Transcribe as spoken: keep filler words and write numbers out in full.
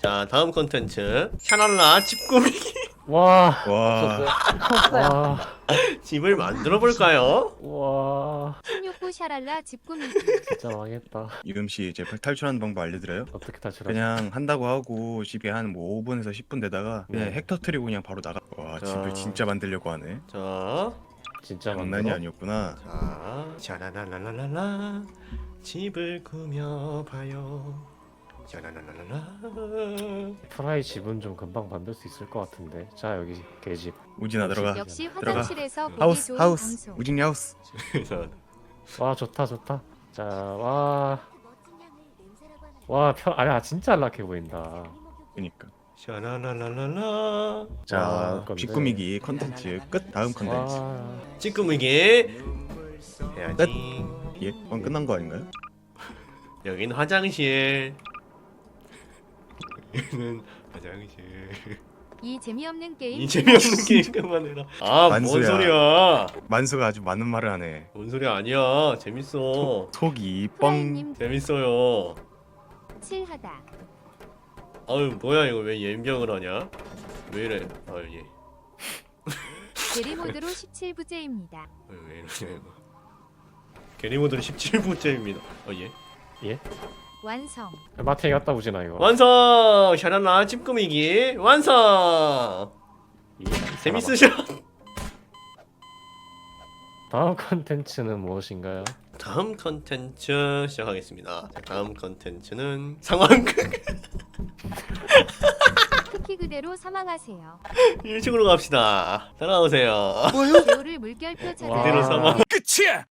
자 다음 컨텐츠 샤랄라 집 꾸미기. 와. 와. 와. 집을 만들어 볼까요? 와. 십육 구 샤랄라 집 꾸미기. 진짜 망했다. 이금 씨 이제 탈출하는 방법 알려드려요? 어떻게 탈출하지? 그냥 한다고 하고 집에 한 뭐 오 분에서 십 분 되다가 그냥 네. 핵 터트리고 그냥 바로 나가. 와 자. 집을 진짜 만들려고 하네. 자, 진짜 장난이 만들어? 아니었구나. 자, 샤라라라라라 집을 꾸며봐요. 샤라라라라. 프라이 집은 좀 금방 만들 수 있을 것 같은데. 자 여기 개집. 우진아 들어가. 역시 들어가. 화장실에서 보기 하우스 좋은 하우스. 방송. 우진이 하우스. 자, 와 좋다 좋다. 자 와. 와 편. 아야 진짜 안락해 보인다. 그니까. 샤라라라라라. 자 와, 건데. 집 꾸미기 컨텐츠 끝. 다음 컨텐츠. 와. 집 꾸미기 해야지. 예? 그건 끝난 거 아닌가요? 여긴 화장실. 여기는 화장실. 이 재미없는 게임. 이 재미없는 게임 그만해라. 아, 뭔 만수야. 소리야? 만수가 아주 많은 말을 하네. 뭔 소리 아니야? 재밌어. 속이 뻥. 프라이님 재밌어요. 칠하다. 아유, 뭐야 이거 왜 연병을 하냐? 왜 이래? 아, 예. 게리 모드로 십칠 부제입니다. 왜, 왜 이러냐 이거. 게리모드는 십칠 부째입니다. 어, 예. 예? 완성. 마트에 갔다 오지나 이거. 완성! 샤랄라 집 꾸미기 완성! 이 재밌으셔? 다음 컨텐츠는 무엇인가요? 다음 컨텐츠 시작하겠습니다. 자, 다음 컨텐츠는 상황극. 쿠키 그대로 사망하세요. 일식으로 갑시다. 따라오세요. 개오를 물결표 찾아. 그대로 사망. 끝이야.